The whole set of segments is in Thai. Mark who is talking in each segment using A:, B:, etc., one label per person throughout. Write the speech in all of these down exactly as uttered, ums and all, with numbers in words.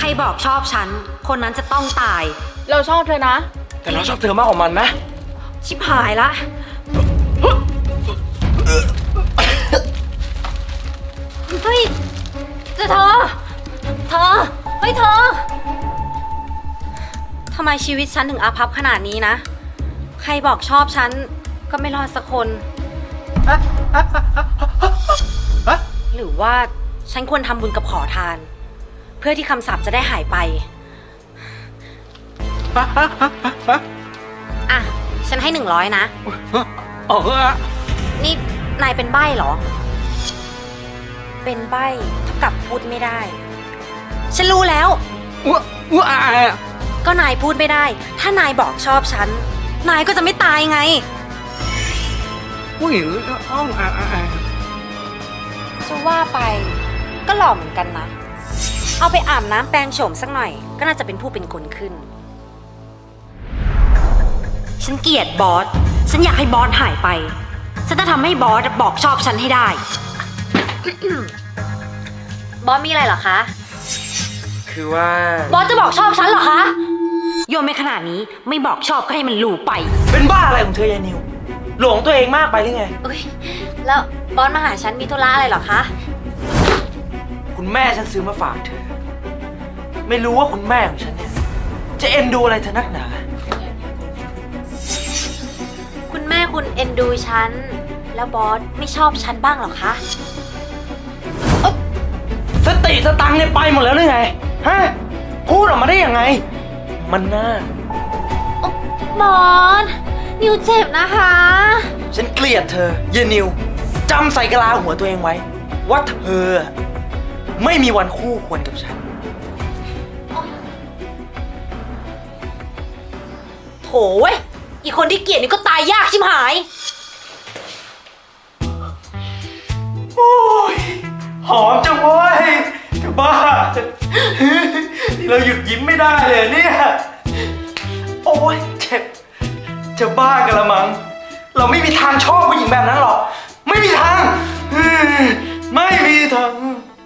A: รบอกชอบฉันคนนั้นจะต้องตาย
B: เราชอบเธอนะ
C: แต่เราชอบเธอมากกว่ามันนะ
A: ชิบหายละเฮ้ยเธอ เธอ เฮ้ยเธอทำไมชีวิตฉันถึงอาภัพขนาดนี้นะใครบอกชอบฉันก็ไม่รอดสักคนหรือว่าฉันควรทำบุญกับขอทานเพื่อที่คำสาปจะได้หายไปอ่ะฉันให้หนึ่งร้อยนะ
C: เออ
A: นี่นายเป็นใบ้เหรอเป็นใบ้เท่ากับพูดไม่ได้ฉันรู้แล้ว
C: ว้าว้า
A: ก็นายพูดไม่ได้ถ้านายบอกชอบฉันนายก็จะไม่ตายไง
C: ผู้หญิงอ้องอ่า
A: จะว่าไปก็หล่อเหมือนกันนะเอาไปอาบน้ำแปรงโฉมสักหน่อยก็น่าจะเป็นผู้เป็นคนขึ้นฉันเกลียดบอสฉันอยากให้บอสหายไปฉันจะทำให้บอสบอกชอบฉันให้ได้ บอสมีอะไรเหรอคะ
C: คือว่า
A: บอสจะบอกชอบฉันเหรอคะโยนไปขนาดนี้ไม่บอกชอบก็ให้มันรู้ไป
C: เป็นบ้าอะไรของเธอยายนิวหลงตัวเองมากไปหรือไง
A: เอ้ยแล้วบอสมาหาฉันมีธุระอะไรเหรอคะ
C: คุณแม่ฉันซื้อมาฝากเธอไม่รู้ว่าคุณแม่ของฉันเนี่ยจะเอ็นดูอะไรเธอนักหนา
A: คุณแม่คุณเอ็นดูฉันแล้วบอสไม่ชอบฉันบ้างเหรอคะ
C: สติสตังค์เนี่ยไปหมดแล้วหรือไงฮะพูดออกมาได้ยังไงมันน่า
A: บอสนิวเจ็บนะคะ
C: ฉันเกลียดเธอเยนิวจำใส่กะลาหัวตัวเองไว้ว่าเธอไม่มีวันคู่ควรกับฉัน
A: โถเว้ยอีคนที่เกลียดนี่ก็ตายยากชิบหาย
C: โอ้ยหอมจังเว้ยจะบ้านี่เราหยุดยิ้มไม่ได้เลยเนี่ยโอ้ยเจ็บจะบ้ากันละมั้งเราไม่มีทางชอบผู้หญิงแบบนั้นหรอกไม่มีทางไม่มีทาง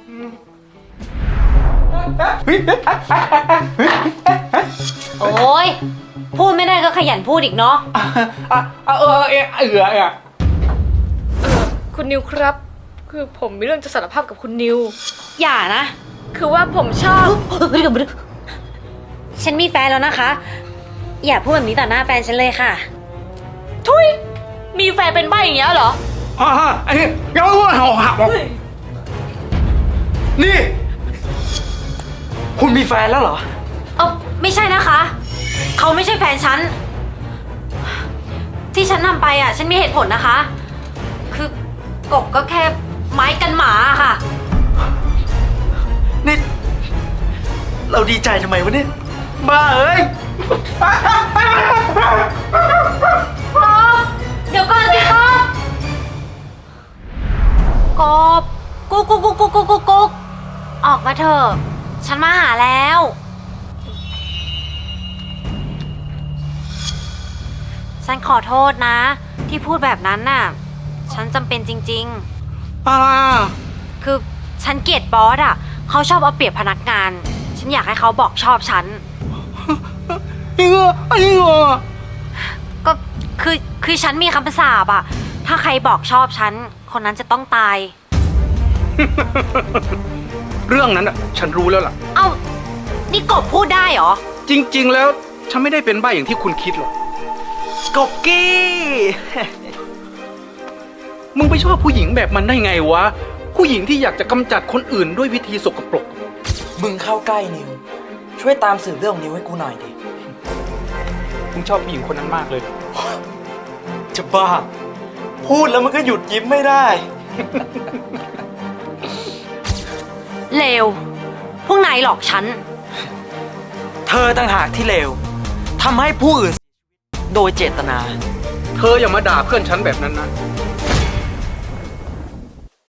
A: โอ้ยพูดไม่ได้ก็ขยันพูดอีกเนาะ
C: เออเออเออเออเออ
B: คุณนิวครับคือผมมีเรื่องจะสารภาพกับคุณนิว
A: อย่านะ
B: คือว่าผมชอบ
A: ฉันมีแฟนแล้วนะคะอย่าพูดแบบนี้ต่อหน้าแฟนฉันเลยค่ะ
B: ทุยมีแฟนเป็นใบ้อย่างเงี้ยเหรอ
C: ฮ่าฮ่าไอ้ยังไม่พูดหัวหักนี่คุณมีแฟนแล้วเหรอ
A: เออไม่ใช่นะคะเขาไม่ใช่แฟนฉันที่ฉันทำไปอ่ะฉันมีเหตุผลนะคะคือกบก็แค่ไม้กันหมาค่ะ
C: นี่เราดีใจทำไมวะเนี่ยบ้าเอ้ย
A: เดี๋ยวก่อนสิครับกบกุ๊กกุ๊กกุ๊กกุ๊กกุ๊กกุ๊กกุ๊กออกมาเถอะฉันมาหาแล้วฉันขอโทษนะที่พูดแบบนั้นน่ะฉันจำเป็นจริงๆอ่าคือฉันเกลียดบอสอ่ะเขาชอบเอาเปรียบพนักงานฉันอยากให้เขาบอกชอบฉัน
C: จริงเหรอจริงเหรอ
A: ก็คือคือฉันมีคำสาปอ่ะถ้าใครบอกชอบฉันคนนั้นจะต้องตาย
C: เรื่องนั้นอ่ะฉันรู้แล้วล่ะ
A: เอ้านี่กบพูดได้เหรอ
C: จริงๆแล้วฉันไม่ได้เป็นใบ้อย่างที่คุณคิดหรอกกบกี้มึงไปชอบผู้หญิงแบบมันได้ไงวะผู้หญิงที่อยากจะกำจัดคนอื่นด้วยวิธีสกปรกมึงเข้าใกล้นิวช่วยตามสืบเรื่องของนิวให้กูหน่อยดิมึงชอบผู้หญิงคนนั้นมากเลยจะบ้าพูดแล้วมันก็หยุดยิ้มไม่ได้
A: เลวพวกนายหลอกฉัน
C: เธอต่างหากที่เลวทำให้ผู้อื่นโดยเจตนาเธออย่ามาด่าเพื่อนฉันแบบนั้นนะ